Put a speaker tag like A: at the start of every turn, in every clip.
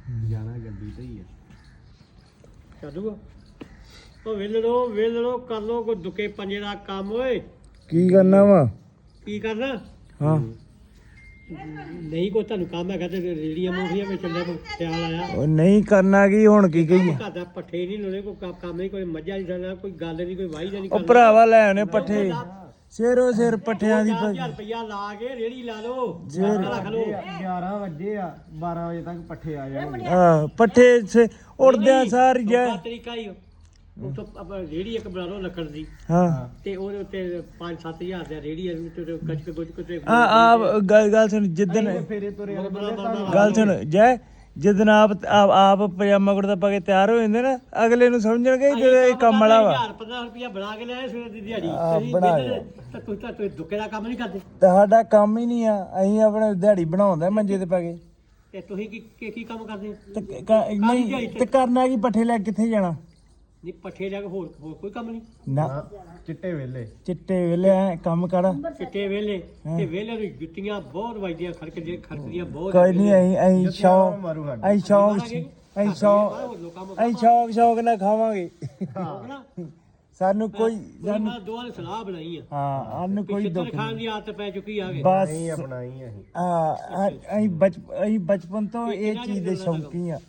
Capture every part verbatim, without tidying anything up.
A: ਜਾਣਾ ਗੱਡੀ ਤੇ ਹੀ ਆ
B: ਚੱਲੂਗਾ ਉਹ ਵੇਲ ਲੋ ਵੇਲ ਲੋ ਕਰ ਲੋ ਕੋਈ ਦੁਕੇ ਪੰਜੇ ਦਾ ਕੰਮ ਓਏ
C: ਕੀ ਕਰਨਾ ਵਾ
B: ਕੀ ਕਰਨਾ
C: ਹਾਂ
B: ਨਹੀਂ ਕੋਈ ਤੁਹਾਨੂੰ ਕੰਮ ਹੈਗਾ ਤੇ ਰੇੜੀਆਂ ਮੂੰਗੀਆਂ ਵਿੱਚ ਚੱਲੇ ਕੋਈ ਖਿਆਲ ਆਇਆ
C: ਉਹ ਨਹੀਂ ਕਰਨਾ ਕੀ ਹੁਣ ਕੀ ਕਹੀਏ
B: ਘਰ ਦਾ ਪੱਠੇ ਨਹੀਂ ਲੋਣੇ ਕੋਈ ਕੰਮ- ਕੰਮ ਨਹੀਂ ਕੋਈ ਮੱਝਾਂ ਨਹੀਂ ਕਰਨਾ ਕੋਈ ਗੱਲ ਨਹੀਂ ਕੋਈ ਵਾਹੀ ਨਹੀਂ
C: ਉਹ ਭਰਾਵਾ ਲੈ ਆਉਣੇ ਪੱਠੇ ਸਿਰੋ ਸਿਰ ਪੱਠਿਆਂ ਦੀ
B: ਦਸ ਹਜ਼ਾਰ ਰੁਪਇਆ ਲਾ ਕੇ ਰੇੜੀ ਲਾ ਲਓ
C: ਜੇ-
B: ਰੱਖ ਲਓ
A: ਗਿਆਰਾਂ ਵਜੇ ਆ ਬਾਰਾਂ ਵਜੇ ਤੱਕ ਪੱਠੇ ਆ ਜਾਣਗੇ
C: ਹਾਂ ਪੱਠੇ ਸੇ ਉੜਦਿਆਂ ਸਾਰ ਜੈ
B: ਦੂਜਾ ਤਰੀਕਾ ਹੀ ਉਹ ਤੋਂ ਆਪਾਂ ਰੇੜੀ ਇੱਕ ਬਣਾ ਲਓ ਲੱਕੜ ਦੀ
C: ਹਾਂ
B: ਤੇ ਉਹਦੇ ਉੱਤੇ ਪੰਜ ਸੱਤ ਹਜ਼ਾਰ ਦਾ ਰੇੜੀ ਹੈ ਤੇ ਗੱਚ ਗੁੱਚ ਕੁੱਤੇ
C: ਆ ਆ ਗੱਲ ਗੱਲ ਸੁਣ ਜਿੱਦਣ
A: ਫੇਰੇ ਤੁਰੇ ਆਲੇ ਬੰਦੇ
C: ਗੱਲ ਸੁਣ ਜੈ ਜਿੱਦਣ ਆਪ ਆਪ ਆਪ ਪਜਾਮਾ ਕੁੜਤਾ ਪਾ ਕੇ ਤਿਆਰ ਹੋ ਜਾਂਦੇ ਨਾ ਅਗਲੇ ਨੂੰ ਸਮਝਣਗੇ ਕਿ ਇਹ ਕੰਮ ਵਾਲਾ ਵਾ
B: ਹਜ਼ਾਰ ਪੰਦਰਾਂ ਰੁਪਇਆ ਬਣਾ ਕੇ ਲਿਆਏ ਸਵੇਰ ਦੀ ਦਿਹਾੜੀ
C: ਹਾਂ,
B: ਤੁਸੀਂ
C: ਬਣਾ
B: ਵਿਹਲੇ
C: ਲਿਆ।
B: ਤਾਂ ਤੁਸੀਂ ਤਾਂ ਤੁਸੀਂ ਦੁੱਕੇ ਦਾ ਕੰਮ ਨਹੀਂ ਕਰਦੇ
C: ਤੁਹਾਡਾ ਕੰਮ ਹੀ ਨਹੀਂ ਆ ਅਸੀਂ ਆਪਣੇ ਦਿਹਾੜੀ ਬਣਾਉਂਦਾ ਮੰਜੇ ਤੇ ਪਾ ਕੇ
B: ਤੇ ਤੁਸੀਂ ਕੀ ਕੀ- ਕੀ ਕੰਮ ਕਰਦੇ
C: ਤੇ ਕ- ਕ- ਨਹੀਂ ਤੇ ਕਰਨਾ ਕੀ ਪੱਠੇ ਲੈ ਕੇ ਕਿੱਥੇ ਜਾਣਾ
B: ਨਹੀਂ ਪੱਠੇ ਜਾ ਕੇ ਹੋਰ ਹੋਰ ਕੋਈ ਕੰਮ ਨਹੀਂ
C: ਨਾ
A: ਚਿੱਟੇ ਵੇਲੇ
C: ਚਿੱਟੇ ਵੇਲੇ ਐਂ ਕੰਮ ਕਰ
B: ਚਿੱਟੇ ਵੇਲੇ ਤੇ ਵੇਲੇ ਨੂੰ ਜੁੱਤੀਆਂ ਬਹੁਤ ਵੱਜਦੀਆਂ ਖੜਕਦੀਆਂ ਖੜਕਦੀਆਂ ਬਹੁਤ
C: ਕੋਈ ਨਹੀਂ ਅਸੀਂ ਅਸੀਂ ਸ਼ੌਕ
A: ਮਾਰੂ ਸਾਡੇ
C: ਅਸੀਂ ਸ਼ੌਕ ਅਸੀਂ ਸ਼ੌਕ
B: ਹੋਰ ਲੋਕਾਂ ਨੂੰ
C: ਅਸੀਂ ਸ਼ੌਕ ਸ਼ੌਕ ਨਾਲ ਖਾਵਾਂਗੇ
B: ਨਾ
C: ਸਾਨੂੰ ਕੋਈ ਸਾਨੂੰ
B: ਮੈਂ ਦੋਵਾਂ ਨੇ ਸਲਾਹ ਬਣਾਈ ਆ
C: ਹਾਂ ਸਾਨੂੰ ਕੋਈ
B: ਛਿੱਤਰ
C: ਦੁੱਖ
B: ਖਾਣ ਦੀ ਆਦਤ ਪੈ ਚੁੱਕੀ ਆ ਗਈ
C: ਬਸ
A: ਨਹੀਂ ਅਪਣਾਈ ਅਸੀਂ
C: ਹਾਂ ਅਸੀਂ ਬਚ ਅਸੀਂ ਬਚਪਨ ਤੋਂ ਇਹ ਚੀਜ਼ ਦੇ ਸ਼ੌਂਕੀ ਆ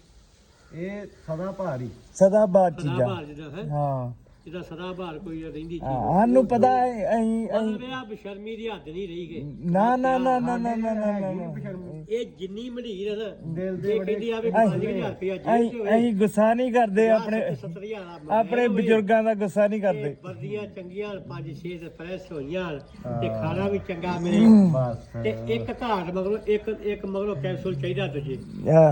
A: ਇਹ ਸਦਾ ਭਾਰੀ
C: ਸਦਾ ਬਾਤ
B: ਸਦਾ
C: ਚੀਜ਼ਾਂ
B: ਬਾਹਰ ਜਿੱਦਾਂ ਹੈ
C: ਹਾਂ
B: ਜਿੱਦਾਂ ਸਦਾ ਬਾਹਰ ਕੋਈ ਰਹਿੰਦੀ
C: ਹਾਂ, ਸਾਨੂੰ ਪਤਾ ਹੈ ਅਸੀਂ ਅਸੀਂ
B: ਮਤਲਬ ਇਹ ਆ ਬਸ਼ਰਮੀ ਦੀ ਹੱਦ ਨਹੀਂ ਰਹੀ ਗਈ
C: ਨਾ ਨਾ ਨਾ ਨਾ ਨਾ ਨਾ ਨਾ ਨਾ ਨਾ।
B: ਇਹ ਜਿੰਨੀ ਮੜੀਰ ਹੈ ਨਾ
A: ਦਿਲ ਦੇ
B: ਇਹ ਕਹਿੰਦੀ ਆ ਵੀ ਪੰਜ ਹਜ਼ਾਰ ਰੁਪਇਆ ਜੇਬ
C: ਅਸੀਂ
B: ਚ
C: ਅਸੀਂ ਗੁੱਸਾ ਨਹੀਂ ਕਰਦੇ ਆਪਣੇ
B: ਸੱਤਰ ਹਜ਼ਾਰ
C: ਆਪਣੇ ਬਜ਼ੁਰਗਾਂ ਦਾ ਗੁੱਸਾ ਨਹੀਂ ਕਰਦੇ
B: ਵਰਦੀਆਂ ਚੰਗੀਆਂ ਪੰਜ ਛੇ ਪ੍ਰੈਸ ਹੋਈਆਂ ਤੇ ਖਾਣਾ ਵੀ ਚੰਗਾ ਮਿਲੇ
A: ਬਸ
B: ਤੇ ਇੱਕ ਘਾਟ ਮਗਰੋਂ ਇੱਕ ਇੱਕ ਮਗਰੋਂ ਕੈਪਸੂਲ ਚਾਹੀਦਾ ਤੁਝੇ
C: ਹਾਂ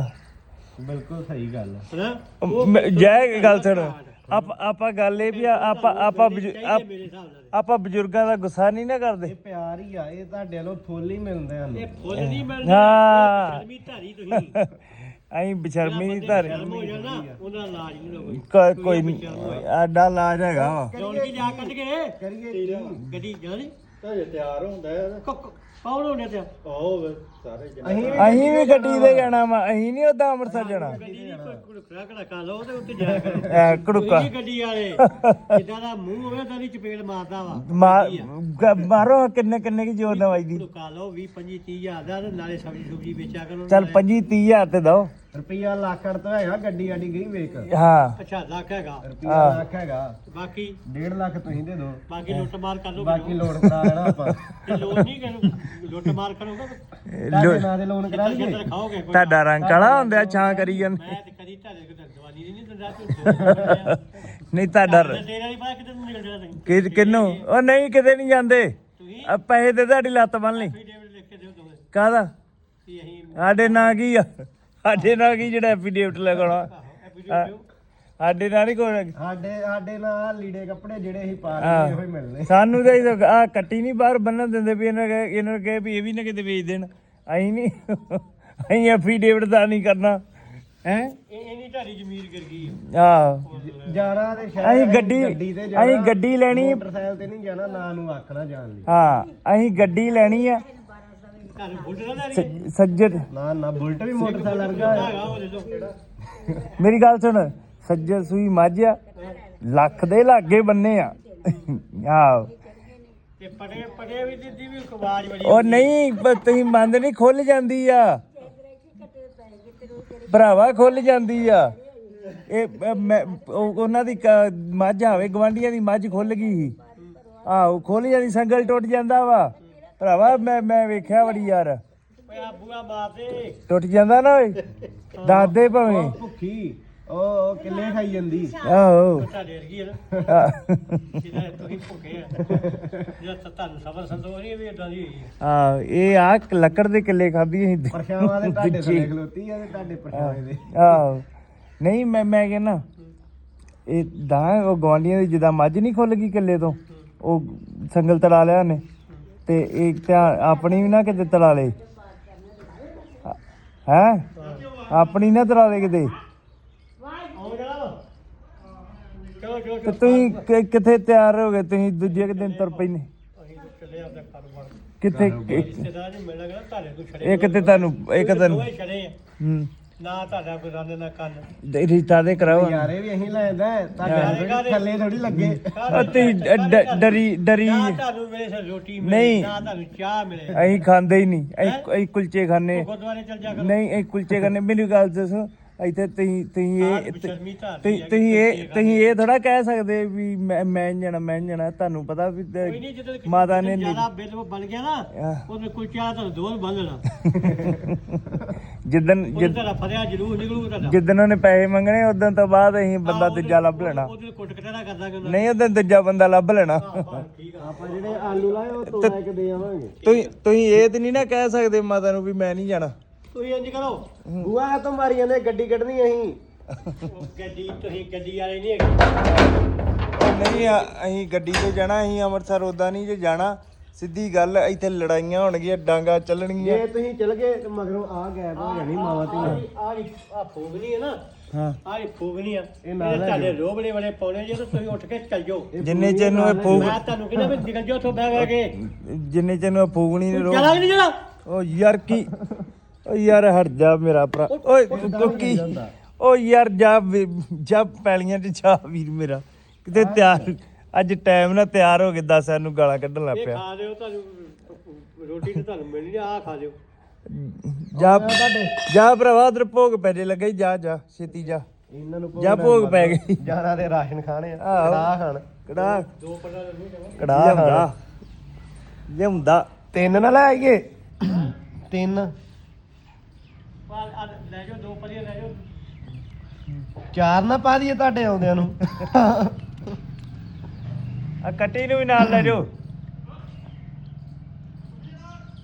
A: ਬਿਲਕੁਲ ਸਹੀ ਗੱਲ ਹੈ
B: ਹਨਾ
C: ਮੈਂ- ਜੈ ਇੱਕ ਗੱਲ ਸੁਣ ਆਪ ਆਪਾਂ ਗੱਲ ਇਹ ਵੀ ਆ, ਆਪਾਂ ਆਪਾਂ ਬਜ਼ੁ- ਆਪ-
B: ਮੇਰੇ ਹਿਸਾਬ ਨਾਲ
C: ਆਪਾਂ ਬਜ਼ੁਰਗਾਂ ਦਾ ਗੁੱਸਾ ਨਹੀਂ ਨਾ ਕਰਦੇ
A: ਇਹ ਪਿਆਰ ਹੀ ਆ ਇਹ ਤੁਹਾਡੇ ਵੱਲੋਂ ਫੁੱਲ ਹੀ ਮਿਲਦੇ ਹਨ
B: ਇਹ ਫੁੱਲ ਨਹੀਂ ਮਿਲਦੇ
C: ਹਾਂ।
B: ਸ਼ਰਮੀ ਧਾਰੀ ਤੁਸੀਂ
C: ਅਸੀਂ ਬਸ਼ਰਮੀ ਨਹੀਂ ਧਾਰੇ
B: ਸ਼ਰਮ ਹੋ ਜਾਣਾ ਉਹਨਾਂ ਦਾ ਇਲਾਜ ਨਹੀਂ ਹੋਵੇ
C: ਕ- ਕੋਈ ਨਹੀਂ ਆਡਾ ਇਲਾਜ ਹੈਗਾ ਵਾ
B: ਜੋੜ ਕੇ ਜਾ ਕੱਢ ਕੇ
A: ਕਰੀਏ
B: ਗੱਡੀ ਜਾਣੀ
A: ਤੇ ਤਿਆਰ ਹੁੰਦਾ ਹੈ
B: ਕੌਣ ਹੋਣੇ ਤੇ
A: ਆਓ ਸਾਰੇ
C: ਅਸੀਂ ਵੀ ਗੱਡੀ ਤੇ ਜਾਣਾ ਵਾ ਅਸੀਂ ਨਹੀਂ ਉਦਾਂ ਅੰਮ੍ਰਿਤਸਰ ਜਾਣਾ
B: ਗੱਡੀ ਨਹੀਂ ਕੋਈ ਕੁੜਕੜਾ ਕੜਾ ਖਾ ਲਓ ਤੇ ਉੱਤੇ ਜਾ ਕਰ
C: ਐ ਕੜੁੱਕਾ
B: ਤੁਸੀਂ ਗੱਡੀ ਵਾਲੇ ਜਿੱਦਾਂ ਦਾ ਮੂੰਹ ਹੋਵੇ ਤਾਂ ਦੀ ਚਪੇੜ ਮਾਰਦਾ ਵਾ
C: ਮਾਰ ਗ- ਮਾਰੋ ਕਿੰਨੇ ਕਿੰਨੇ ਕੀ ਜੋਰ ਦਵਾਈ ਦੀ
B: ਲੁਕਾ ਲਓ ਵੀਹ ਪੰਜੀ ਤੀਹ ਹਜ਼ਾਰ ਦਾ ਤੇ ਨਾਲੇ ਸਬਜ਼ੀ ਸੁਬਜੀ ਵੇਚਿਆ ਕਰੋ
C: ਚੱਲ ਪੰਜੀ ਤੀਹ ਹਜ਼ਾਰ ਤੇ ਦੋ
A: ਰੁਪਈਆ ਲੱਖ ਅੜ ਤੋਂ ਹੈਗਾ ਗੱਡੀ ਆਡੀ ਗਈ ਵੇਖ
C: ਹਾਂ
B: ਅੱਛਾ ਲੱਖ ਹੈਗਾ
A: ਰੁਪਈਆ ਲੱਖ ਹੈਗਾ
B: ਬਾਕੀ
A: ਡੇਢ ਲੱਖ ਤੁਸੀਂ ਦੇ ਦਿਓ
B: ਬਾਕੀ ਲੁੱਟ ਮਾਰ ਕਰ ਲਓ
A: ਬਾਕੀ ਲੋਨ ਕਰਾ ਲੈਣਾ ਆਪਾਂ
B: ਤੇ ਲੋਨ ਨਹੀਂ ਕਰੋ ਲੁੱਟ ਮਾਰ ਕਰੋਗੇ
A: ਤੁਹਾਡੇ ਨਾਂ ਦੇ ਲੋਨ ਕਰਾ ਲਈਏ
B: ਜਿੱਦਾਂ ਖਾਓਗੇ ਕੋਈ
C: ਤੁਹਾਡਾ ਰੰਗ ਕਾਲਾ ਹੁੰਦਾ ਛਾਂ ਕਰੀ ਜਾਂਦੇ
B: ਮੈਂ ਤੇ ਕਦੀ ਤੁਹਾਡੇ ਕੋਲ ਦਵਾਨੀ ਨਹੀਂ ਦਿੰਦਾ ਤੂੰ
C: ਨਹੀਂ ਤੁਹਾਡਾ
B: ਤੇਰਾ ਨਹੀਂ ਪਤਾ ਕਿਤੇ ਨੂੰ ਨਿਕਲ ਜਾਣਾ
C: ਕਿ ਕਿੰਨੂੰ ਉਹ ਨਹੀਂ ਕਿਤੇ ਨਹੀਂ ਜਾਂਦੇ
B: ਤੁਸੀਂ
C: ਆ ਪੈਸੇ ਤੇ ਤੁਹਾਡੀ ਲੱਤ ਬੰਨ ਲਈ
B: ਐਫੀਡੇਵਿਟ ਲਿਖ ਕੇ ਦਿਓ ਦੋਵੇਂ
C: ਕਾਹਦਾ
B: ਕਿ ਅਸੀਂ
C: ਸਾਡੇ ਨਾਂ ਕੀ ਆ ਸਾਡੇ ਨਾਂ ਕੀ ਜਿਹੜਾ ਐਫੀਡੇਵਿਟ ਲਗਾਉਣਾ
B: ਐਫੀਡੇਵਿਟ
C: ਸਾਡੇ ਨਾਲ ਨਹੀਂ ਕੋਈ
A: ਸਾਡੇ ਸਾਡੇ ਨਾਲ ਲੀੜੇ ਕੱਪੜੇ ਜਿਹੜੇ ਅਸੀਂ ਪਾ ਲਏ ਇਹੋ ਹੀ ਮਿਲਨੇ
C: ਸਾਨੂੰ ਤਾਂ ਆ ਕੱਟੀ ਨਹੀਂ ਬਾਹਰ ਬੰਨਣ ਦਿੰਦੇ ਵੀ ਇਹਨਾਂ ਕਹੇ ਇਹਨਾਂ ਨੂੰ ਕਹੇ ਵੀ ਇਹ ਵੀ ਨਾ ਕਿਤੇ ਵੇਚ ਦੇਣ ਅਸੀਂ ਨਹੀਂ ਅਸੀਂ ਐਫੀਡੇਵਿਟ ਦਾ ਨਹੀਂ ਕਰਨਾ ਹੈ
B: ਇਹ ਇਹ ਨਹੀਂ ਢਾਰੀ ਜ਼ਮੀਰ ਕਰ ਗਈ
C: ਆ
A: ਜਾਣਾ ਤੇ
C: ਅਸੀਂ ਗੱਡੀ
A: ਤੇ
C: ਅਸੀਂ ਗੱਡੀ ਲੈਣੀ
A: ਮੋਟਰਸਾਈਕਲ ਤੇ ਨਹੀਂ ਜਾਣਾ ਨਾ ਨੂੰ ਆਖਣਾ ਜਾਣ ਲਈ
C: ਹਾਂ ਅਸੀਂ ਗੱਡੀ ਲੈਣੀ ਆ
B: ਘਰ ਬੁੱਢ ਨਾ ਲੈ
C: ਸ- ਸੱਜਰ
A: ਨਾ ਨਾ ਬੁਲਟ ਵੀ ਮੋਟਰਸਾਈਕਲ ਵਰਗਾ ਹੈ
B: ਹੈਗਾ ਉਹ ਲੈ ਲਓ
C: ਮੇਰੀ ਗੱਲ ਸੁਣ ਸੱਜਰ ਸੂਈ ਮੱਝ ਆ ਲੱਖ ਦੇ ਲਾਗੇ ਬੰਨੇ ਆ ਆਹ
B: ਤੇ ਪੜੇ ਪੜੇ ਵੀ ਦਿੱਤੀ ਵੀ ਆਵਾਜ਼ ਬੜੀ
C: ਉਹ ਨਹੀਂ ਬ- ਤੁਸੀਂ ਮੰਨਦੇ ਨਹੀਂ ਖੁੱਲ ਜਾਂਦੀ ਆ ਭਰਾਵਾ ਖੁੱਲ ਜਾਂਦੀ ਆ ਇਹ ਅ, ਮੈਂ ਉਹ- ਉਹਨਾਂ ਦੀ ਕ- ਮੱਝ ਆਵੇ ਗਵਾਂਢੀਆਂ ਦੀ ਮੱਝ ਖੁੱਲ ਗਈ ਸੀ ਆਹੋ ਖੁੱਲ ਜਾਂਦੀ ਸੰਗਲ ਟੁੱਟ ਜਾਂਦਾ ਵਾ ਭਰਾਵਾ ਮੈਂ ਮੈਂ ਵੇਖਿਆ ਬੜੀ ਯਾਰ
B: ਓਏ ਆ ਬੂਆ ਮਾਰਦੇ
C: ਟੁੱਟ ਜਾਂਦਾ ਨਾ ਓਏ ਦੱਸ ਦੇ ਭਾਵੇਂ
A: ਉਹ ਭੁੱਖੀ ਉਹ ਉਹ ਕਿੱਲੇ ਖਾਈ ਜਾਂਦੀ
C: ਆਹੋ
B: ਤੁਹਾਡੇ ਵਰਗੀ ਹੈ ਨਾ
C: ਆਹ।
B: ਜਿਹਦਾ ਤੁਸੀਂ ਭੁੱਖੇ ਆ ਜਿਹੜਾ ਤਾਂ ਤੁਹਾਨੂੰ ਸਬਰ ਸੰਤੋਖ ਨਹੀਂ ਵੀ ਇਦਾਂ ਦੀ ਹੋਈ ਹੈ
C: ਆਹ ਇਹ ਆ ਲੱਕੜ ਦੇ ਕਿੱਲੇ ਖਾਧੀ ਅਸੀਂ
A: ਪਰਛਾਵਾਂ ਦੇ ਤੁਹਾਡੇ ਥੱਲੇ ਖਲੋਤੀ ਆ ਤੇ ਤੁਹਾਡੇ ਪਰਛਾਵੇਂ ਦੇ
C: ਆਹੋ ਨਹੀਂ ਮੈਂ ਮੈਂ ਕਹਿੰਦਾ ਇਹ ਦਾ ਉਹ ਗਵਾਂਢੀਆਂ ਦੀ ਜਿੱਦਾਂ ਮੱਝ ਨਹੀਂ ਖੁੱਲ ਗਈ ਕਿੱਲੇ ਤੋਂ ਉਹ ਸੰਗਲ ਤੜਾ ਲਿਆ ਉਹਨੇ ਤੇ ਇਹ ਧਿਆਨ ਆਪਣੀ ਵੀ ਨਾ ਕਿਤੇ ਤੜਾ ਲੇ ਹੈ ਆਪਣੀ ਨਾ ਤੜਾ ਲੇ ਕਿਤੇ
B: ਆਓ ਜਾ ਚਲੋ ਜੋ
C: ਤੇ ਤੁਸੀਂ ਕਿ- ਕਿੱਥੇ ਤਿਆਰ ਹੋ ਗਏ ਤੁਸੀਂ ਦੂਜੇ ਕੁ ਦਿਨ ਤੁਰ ਪੈਨੇ
B: ਅਸੀਂ ਚੱਲੇ ਆਪਦਾ ਕਾਰੋਬਾਰ
C: ਕਿੱਥੇ
B: ਰਿਸ਼ਤੇਦਾਰ ਜੀ ਮਿਲ ਲੱਗਾ ਤੁਹਾਡੇ ਕੋਲ ਛੜੇ
C: ਇੱਕ ਤੇ ਤੁਹਾਨੂੰ ਇੱਕ ਤੁਹਾਨੂੰ
B: ਦੋਵੇਂ ਛੜੇ ਆ
C: ਹੂੰ
B: ਨਾ ਤੁਹਾਡਾ ਕੋਈ ਰੰਨ ਨਾ ਕੰਨ
C: ਦੇ ਰਿਸ਼ਤਾ ਦੇ ਕਰਾਓ
A: ਯਾਰੇ ਵੀ ਅਸੀਂ ਲੈਂਦਾ ਤੁਹਾਡੇ ਥੱਲੇ ਥੋੜੀ ਲੱਗੇ
C: ਅਤੇ ਡਰੀ ਡਰੀ
B: ਨਾ ਤੁਹਾਨੂੰ ਮਿਲੇ ਸ ਰੋਟੀ ਮਿਲੇ
C: ਨਹੀਂ।
B: ਨਾ ਤੁਹਾਨੂੰ ਚਾਹ ਮਿਲੇ
C: ਅਸੀਂ ਖਾਂਦੇ ਹੀ ਨਹੀਂ ਅਸੀਂ ਅਸੀਂ ਕੁਲਚੇ ਖਾਂਦੇ
B: ਗੁਰਦੁਆਰੇ ਚਲ ਜਾ ਕਰੋ
C: ਨਹੀਂ ਅਸੀਂ ਕੁਲਚੇ ਖਾਂਦੇ ਮੈਨੂੰ ਗੱਲ ਦੱਸੋ ਇੱਥੇ ਤੁਸੀਂ ਤੁਸੀਂ
B: ਆਹ
C: ਇਹ
B: ਬੇਸ਼ਰਮੀ ਧਾਰਨੀ
C: ਤੁਸੀਂ
B: ਹੈਗੀ,
C: ਤੁਸੀਂ ਇਹ
B: ਕੁਲਚੇ
C: ਤੁਸੀਂ ਇਹ ਥੋੜਾ ਕਹਿ ਸਕਦੇ ਵੀ ਮੈਂ ਮੈਂ ਨੀ ਜਾਣਾ ਮੈਂ ਨੀ ਜਾਣਾ ਤੁਹਾਨੂੰ ਪਤਾ ਵੀ ਤੇ
B: ਕੋਈ ਨਹੀਂ ਜਦੋਂ
C: ਮਾਤਾ ਨੇ
B: ਜਿਆਦਾ ਬਿੱਲ ਬਣ ਗਿਆ ਨਾ
C: ਆਹ।
B: ਉਹਨੇ ਕੁਲਚੇ ਵਾਲਾ ਤੁਹਾਨੂੰ ਦੋਲ ਬੰਨ ਲੈਣਾ
C: ਜਿੱਦਣ
B: ਉਹਨੇ
C: ਜਿੱਦ-
B: ਤੁਹਾਡਾ ਫਰਿਆ ਜ਼ਰੂਰ ਨਿਕਲੂ ਤੁਹਾਡਾ
C: ਜਿੱਦਣ ਉਹਨੇ ਪੈਸੇ ਮੰਗਣੇ ਉਦੋਂ ਤੋਂ ਬਾਅਦ ਅਸੀਂ ਬੰਦਾ
B: ਉਹਦੇ-
C: ਦੂਜਾ ਲੱਭ ਲੈਣਾ
B: ਉਹਦੇ ਕੁੱਟ ਕਟੜਾ ਕਰਦਾ ਕਿ
C: ਨਹੀਂ ਉਦੋਂ ਦੂਜਾ ਬੰਦਾ ਲੱਭ ਲੈਣਾ
B: ਠੀਕ ਆ
A: ਆਪਾਂ ਜਿਹੜੇ ਆਲੂ ਲਾਏ ਉਹ ਤੋੜਾ ਕੇ ਦੇ ਆਵਾਂਗੇ
C: ਤੁਸੀਂ ਤੁਸੀਂ ਇਹ ਤੇ ਨਹੀਂ ਨਾ ਕਹਿ ਸਕਦੇ ਮਾਤਾ ਨੂੰ ਵੀ ਮੈਂ ਨਹੀਂ ਜਾਣਾ
B: ਤੁਸੀਂ ਇੰਜ ਕਰੋ
A: ਬੂਆ ਤੋਂ ਮਾਰੀਆਂ ਨੇ ਗੱਡੀ ਕੱਢਣੀ ਅਸੀਂ
B: ਉਹ ਗੱਡੀ ਤੁਸੀਂ ਗੱਡੀ ਵਾਲੇ ਨਹੀਂ ਹੈਗੇ
C: ਉਹ ਨਹੀਂ ਆ, ਅਸੀਂ ਗੱਡੀ ਤੇ ਜਾਣਾ ਅਸੀਂ ਅੰਮ੍ਰਿਤਸਰ ਉਦਾਂ ਨਹੀਂ ਜੇ ਜਾਣਾ ਸਿੱਧੀ ਗੱਲ ਇੱਥੇ ਲੜਾਈਆਂ ਹੋਣਗੀਆਂ ਡਾਂਗਾ ਚੱਲਣਗੀਆਂ
A: ਜੇ ਤੁਸੀਂ ਚਲ ਗਏ ਤੇ ਮਗਰੋਂ ਆ ਗੈਪ ਹੋ ਜਾਣੀ ਮਾਵਾ ਤੇ
B: ਆ ਆ ਫੋਗਣੀ ਹੈ ਨਾ
C: ਹਾਂ
B: ਆ ਇਹ ਫੋਗਣੀ ਆ
A: ਇਹ
B: ਇਹ
A: ਨਾਲ ਲੈ
B: ਤੁਹਾਡੇ ਰੋਬਲੇ ਵਾਲੇ ਪਾਉਣੇ ਜੇ ਤੁਸੀਂ ਉੱਠ ਕੇ ਚੱਲ ਜਾਓ
C: ਜਿੰਨੇ ਚਿਰ ਨੂੰ ਇਹ ਫੂਕ
B: ਮੈਂ ਤੁਹਾਨੂੰ ਕਹਿੰਦਾ ਵੀ ਨਿਕਲ ਜਾਓ ਉੱਥੋਂ ਬਹਿ ਬਹਿ ਕੇ
C: ਜਿੰਨੇ ਚਿਰ ਨੂੰ ਇਹ ਫੂਕਣੀ ਨੇ ਰੋ
B: ਚਲਾ ਕਿ ਨਹੀਂ ਚਲਾ
C: ਉਹ ਯਾਰ ਕੀ ਉਹ ਯਾਰ ਹਟ ਜਾ ਮੇਰਾ ਭਰਾ ਓਏ ਕੁੱਕੀ ਉਹ ਯਾਰ ਜਾ ਵੀ- ਜਾ ਪੈਲੀਆਂ ਤੇ ਜਾ ਵੀਰ ਮੇਰਾ ਕਿਤੇ ਤਿਆਰ ਅੱਜ ਟਾਈਮ ਨਾਲ ਤਿਆਰ ਹੋ ਕੇ ਦੱਸ ਸਾਨੂੰ ਗਾਲਾਂ ਕੱਢਣ ਲੱਗ
B: ਇਹ
C: ਪਿਆ
B: ਖਾ ਲਿਓ ਤੁਹਾਨੂੰ ਰੋਟੀ ਤੇ ਤੁਹਾਨੂੰ ਮਿਲਣੀ ਆ ਖਾ ਲਿਓ
C: ਜਾ ਜਾ ਭਰਾਵਾ ਉਧਰ ਭੋਗ ਪੈ ਜੇ ਲੱਗਾ ਈ, ਜਾ ਜਾ ਛੇਤੀ ਜਾ
A: ਇਹਨਾਂ ਨੂੰ
C: ਜਾ ਭੋਗ ਪੈ ਗਈ
A: ਜਾਣਾ ਤੇ ਰਾਸ਼ਨ ਖਾਣੇ ਆ
C: ਆਹੋ।
A: ਕੜਾਹ ਖਾਣ
C: ਕੜਾ
B: ਦੋ ਪੜਾ ਲੈ ਲਓ
A: ਕੜਾਹ
C: ਲਿਆਉਂਦਾ
A: ਖਾਣ
C: ਲਿਆਉਂਦਾ
A: ਤਿੰਨ ਨਾ ਲੈ ਆਈਏ ਤਿੰਨ
B: ਪਾ ਲੈ ਜਾਓ ਦੋ ਪੜੀਆਂ ਲੈ ਜਾਓ
A: ਚਾਰ ਨਾ ਪਾ ਦਈਏ ਤੁਹਾਡੇ ਆਉਂਦਿਆਂ ਨੂੰ
C: ਆ ਕੱਟੀ ਨੂੰ ਵੀ ਨਾਲ ਲੈ ਜਾਓ